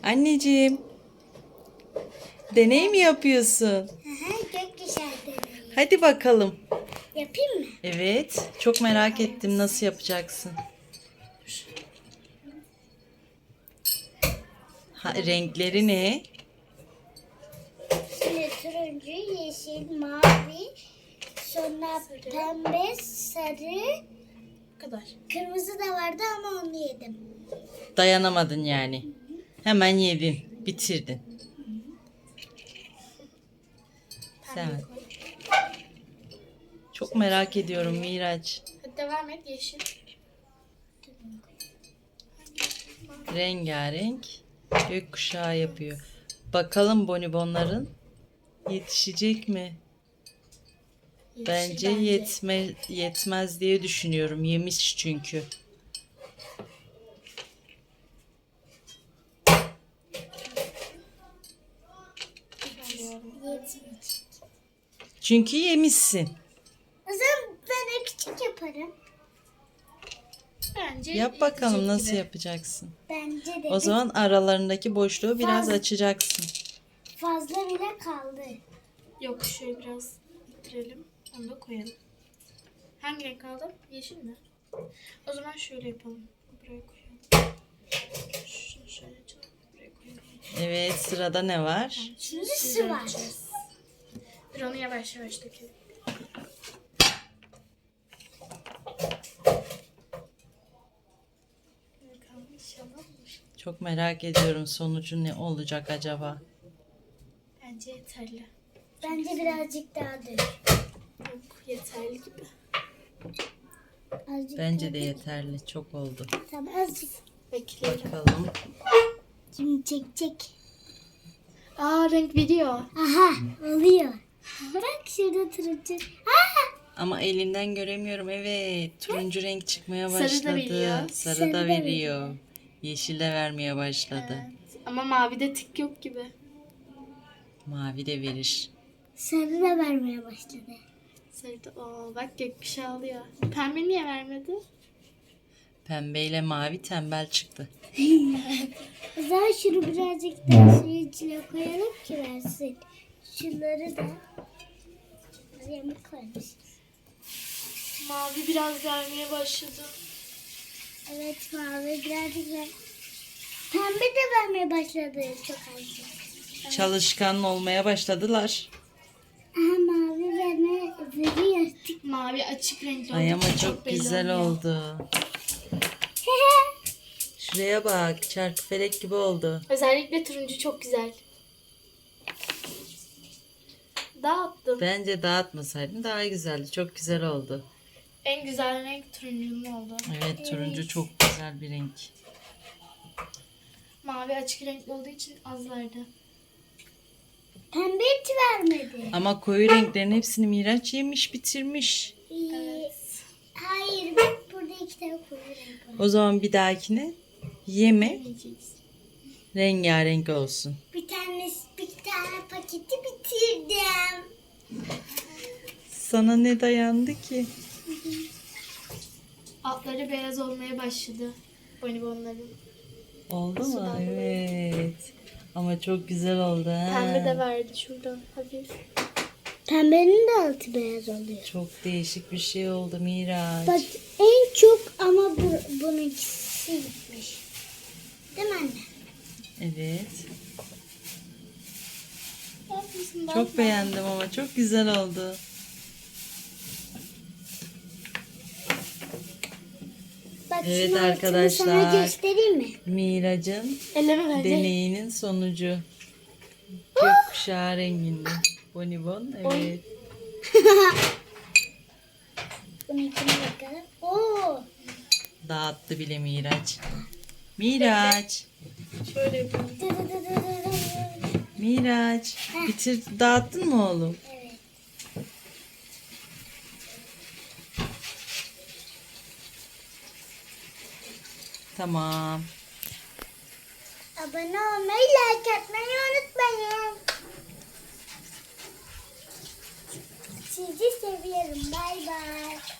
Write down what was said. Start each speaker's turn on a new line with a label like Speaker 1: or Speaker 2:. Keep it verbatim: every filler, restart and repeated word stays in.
Speaker 1: Anneciğim, deney mi yapıyorsun?
Speaker 2: Hı hı, gökkuşağı deneyi.
Speaker 1: Hadi bakalım.
Speaker 2: Yapayım mı?
Speaker 1: Evet, çok merak ettim nasıl yapacaksın. Ha, renkleri ne?
Speaker 2: Şimdi turuncu, yeşil, mavi, sonra pembe, sarı,
Speaker 3: Bu kadar.
Speaker 2: kırmızı da vardı ama onu yedim.
Speaker 1: Dayanamadın yani. Hemen yedin, bitirdin. Sen. Çok merak ediyorum Miraç.
Speaker 3: Hadi devam et yeşil.
Speaker 1: Rengarenk gökkuşağı yapıyor. Bakalım bonibonların yetişecek mi?
Speaker 3: Yeşil
Speaker 1: Bence yetme, yetmez diye düşünüyorum. Yemiş çünkü.
Speaker 2: Yetmeyecek.
Speaker 1: Çünkü yemişsin.
Speaker 2: O zaman ben de küçük yaparım.
Speaker 3: Bence
Speaker 1: Yap bakalım
Speaker 3: yetecek
Speaker 1: nasıl
Speaker 3: gibi.
Speaker 1: yapacaksın.
Speaker 2: Bence de
Speaker 1: O zaman aralarındaki boşluğu biraz
Speaker 2: Fazla.
Speaker 1: açacaksın.
Speaker 2: fazla bile kaldı.
Speaker 3: Yok şöyle biraz ittirelim. Onu da koyalım. Hangi renk aldım? Yeşil mi? O zaman şöyle yapalım. Buraya koyalım. Şunu şöyle açalım. Buraya koyalım.
Speaker 1: Evet, sırada ne var?
Speaker 2: Şimdi
Speaker 3: Siz
Speaker 2: su var.
Speaker 3: yapacağız. Dur onu yavaş yavaş dökelim. Bakalım inşallah olur.
Speaker 1: Çok merak ediyorum sonucu ne olacak acaba?
Speaker 3: Bence yeterli.
Speaker 2: Bence birazcık daha dök.
Speaker 3: Yok yeterli gibi.
Speaker 2: Azıcık
Speaker 1: Bence
Speaker 2: daha
Speaker 1: de
Speaker 2: dök.
Speaker 1: yeterli. Çok oldu.
Speaker 2: Tamam azıcık.
Speaker 3: Bekleyelim.
Speaker 1: Bakalım.
Speaker 2: Şimdi çek çek.
Speaker 3: Aa renk veriyor.
Speaker 2: Aha oluyor. Bak şurada turuncu. Aa!
Speaker 1: Ama elinden göremiyorum. Evet, turuncu renk çıkmaya
Speaker 3: Sarı da
Speaker 1: başladı.
Speaker 3: veriyor.
Speaker 1: Sarı
Speaker 2: Sarı
Speaker 1: da
Speaker 2: da
Speaker 1: veriyor. Yeşil de vermeye başladı.
Speaker 3: Evet. Ama mavide tık yok gibi.
Speaker 1: Mavi de verir.
Speaker 2: Sarı da vermeye başladı.
Speaker 3: Sarıda oo bak gökkuşağı alıyor. Pembe niye vermedi?
Speaker 1: Pembeyle mavi tembel çıktı.
Speaker 2: O zaman şunu birazcık daha suyun içine koyalım ki versin. Şunları da yamuk koymuş.
Speaker 3: Mavi biraz vermeye başladı.
Speaker 2: Evet mavi birazcık ver. Pembe de vermeye başladı çok azıcık.
Speaker 1: Çalışkan olmaya başladılar.
Speaker 2: Aha mavi verme veriyor.
Speaker 3: Mavi açık renkli
Speaker 1: Ay
Speaker 3: olduğu
Speaker 1: ama
Speaker 3: için
Speaker 1: çok
Speaker 3: belli
Speaker 1: güzel
Speaker 3: oluyor.
Speaker 1: oldu. Şuraya bak, çarkıfelek gibi oldu.
Speaker 3: Özellikle turuncu çok güzel. Dağıttım.
Speaker 1: Bence dağıtmasaydın daha güzeldi. Çok güzel oldu.
Speaker 3: En güzel renk turuncunun oldu.
Speaker 1: Evet, turuncu çok güzel bir renk.
Speaker 3: Mavi açık renkli olduğu için az verdi.
Speaker 2: Pembe hiç vermedi.
Speaker 1: Ama koyu renklerin hepsini Miraç yemiş, bitirmiş.
Speaker 2: Ee, Hayır bak burada iki tane koyu renk var.
Speaker 1: O zaman bir dahakine yeme,
Speaker 3: Yemeyeceğiz.
Speaker 1: rengarenk olsun.
Speaker 2: Bir tane bir tane paketi bitirdim.
Speaker 1: Sana ne dayandı ki?
Speaker 3: Altları beyaz olmaya başladı. Bonibonların.
Speaker 1: Oldu mu? Evet. Ama çok güzel oldu ha.
Speaker 3: Pembe de verdi şuradan hafif.
Speaker 2: Pembenin de altı beyaz oluyor.
Speaker 1: Çok değişik bir şey oldu Miraç.
Speaker 2: Bak en çok ama bu, bununkisi gitmiş. Değil mi anne?
Speaker 1: Evet.
Speaker 3: Yapmışsın bak.
Speaker 1: Çok beğendim ama çok güzel oldu.
Speaker 2: Bak
Speaker 1: Evet
Speaker 2: şunun altını
Speaker 1: arkadaşlar.
Speaker 2: sana göstereyim mi?
Speaker 1: Miraç'ın
Speaker 3: Elleme bence.
Speaker 1: deneyinin sonucu. Gökkuşağı renginde. Bonibon, evet.
Speaker 2: Bununkine bakalım. Oo.
Speaker 1: Dağıttı bile Miraç. Miraç.
Speaker 3: Şöyle yapalım.
Speaker 2: Dı dı dı dı dı dı.
Speaker 1: Miraç. Bitir, dağıttın mı oğlum?
Speaker 2: Evet.
Speaker 1: Tamam.
Speaker 2: Abone olmayı, like atmayı unutmayın. Sizi seviyorum. Bay bay.